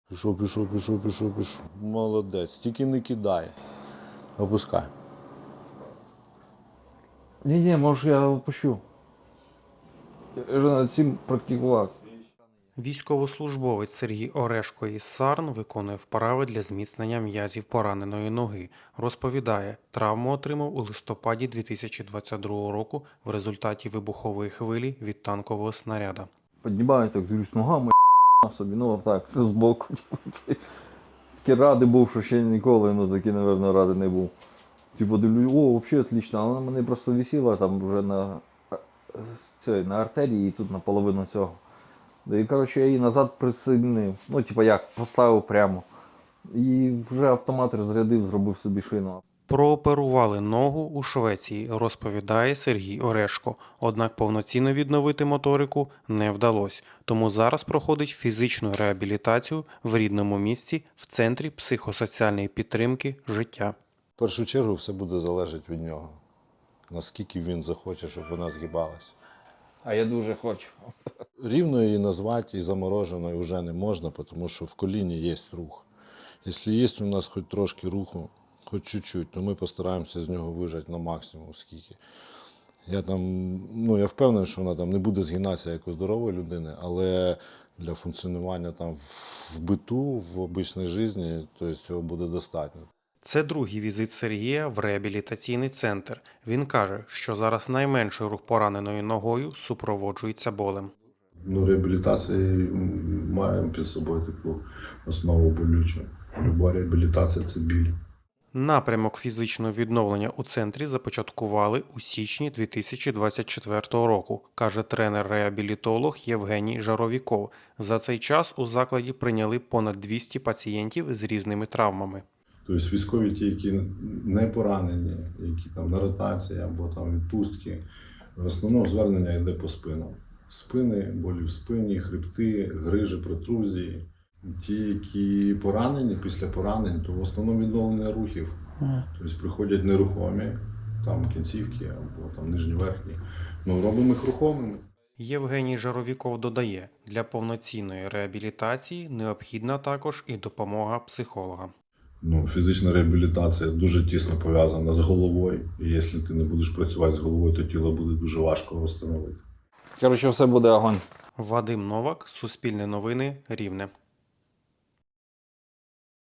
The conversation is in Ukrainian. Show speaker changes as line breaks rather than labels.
Пішов. Молодець. Тільки не кидай. Опускай.
Ні, може я опущу. Я вже над цим практикувався.
Військовослужбовець Сергій Орешко із Сарн виконує вправи для зміцнення м'язів пораненої ноги. Розповідає, травму отримав у листопаді 2022 року в результаті вибухової хвилі від танкового снаряда.
Піднімаю, так дивлюсь, ногами собі, ну так, це збоку. Такі радий був, що ще ніколи, ну такий, мабуть, радий не був. Типу дивлюсь, о, взагалі отлично, а вона мене просто висіла там вже на артерії і тут наполовину цього. І, коротше, я її назад присоединив, ну, типу як, поставив прямо. І вже автомат розрядив, зробив собі шину.
Прооперували ногу у Швеції, розповідає Сергій Орешко. Однак повноцінно відновити моторику не вдалося. Тому зараз проходить фізичну реабілітацію в рідному місці в Центрі психосоціальної підтримки «Життя».
В першу чергу все буде залежати від нього. Наскільки він захоче, щоб вона згибалась.
А я дуже хочу.
Рівно її назвати і замороженою вже не можна, тому що в коліні є рух. Якщо є у нас хоч трошки руху, хоч чуть-чуть, то ми постараємося з нього вижати на максимум скільки. Я впевнений, що вона там не буде згинатися як у здорової людини, але для функціонування там в биту, в обичній житті, то цього буде достатньо.
Це другий візит Сергія в реабілітаційний центр. Він каже, що зараз найменший рух пораненою ногою супроводжується болем.
Реабілітація має під собою таку основу болючу. Люба реабілітація – це біль.
Напрямок фізичного відновлення у центрі започаткували у січні 2024 року, каже тренер-реабілітолог Євгеній Жаровіков. За цей час у закладі прийняли понад 200 пацієнтів з різними травмами.
Тобто військові ті, які не поранені, які там на ротації або там відпустки, в основному звернення йде по спинам. Спини, болі в спині, хребти, грижі, протрузії. Ті, які поранені, після поранень, то в основному відновлення рухів. Тобто приходять нерухомі, там кінцівки або там нижні-верхні. Робимо їх рухомими.
Євгеній Жаровіков додає, для повноцінної реабілітації необхідна також і допомога психолога.
Фізична реабілітація дуже тісно пов'язана з головою. І якщо ти не будеш працювати з головою, то тіло буде дуже важко встановити.
Коротше, все буде огонь.
Вадим Новак, Суспільне новини, Рівне.